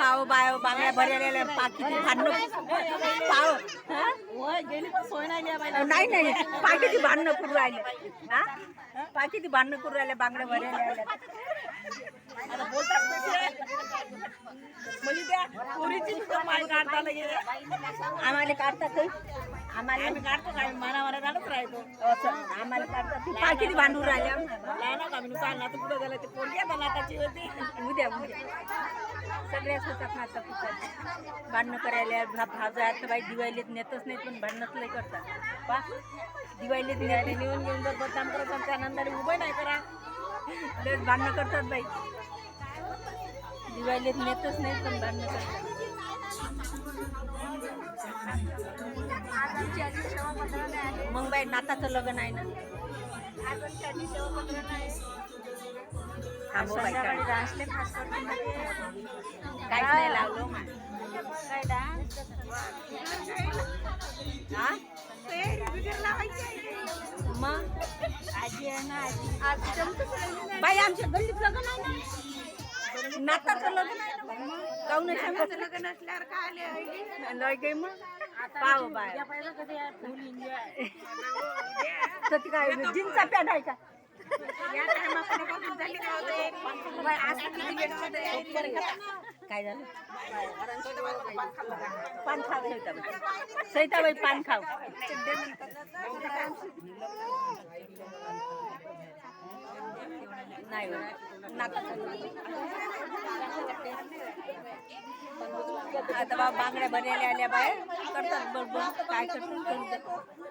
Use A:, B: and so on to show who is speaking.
A: पाव बाय बांगड्या भरलेल्या पाकीची भांडणं पाव नाही नाही पाकीची भांडणं करून राहिले हा पाकीची भांडणं करून राहिले बांगड्या भरलेल्या आम्हाला काढतात आम्हाला काढतो काय मनावर झालंच राहतो आम्हाला काढतात पाकीची भांडून राहिल्या पुढे झालं ते पोरग्या नाताची होती उद्या सगळ्याच होतात नाता पुढे भांडणं करायला भाजा बाई दिवाळीत नेतच नाही पण भांडणच लय करतात पा दिवाळीत नेते नेऊन घेऊन जर बदनाम करत आणि त्यानंतर उभं नाही करा लयच भांडणं करतात बाई दिवाळीत नेतच नाही पण भांडणं करतात मग बाई नाताचं लग्न आहे ना काहीच नाही लावलो मग आजी आहे ना बाई आमच्या गल्लीत लग्न आहे ना नाताचं लग्न आहे ना काऊन लग्न असल्यावर काय लय गे मग पाव बाय काय जीन्सचा पॅन्ट आहे का काय झालं पान खाव सैताबाई पान खाव नाही आता बांगड्या भरलेल्या आल्या बाहेर करतात बरोबर काय करतात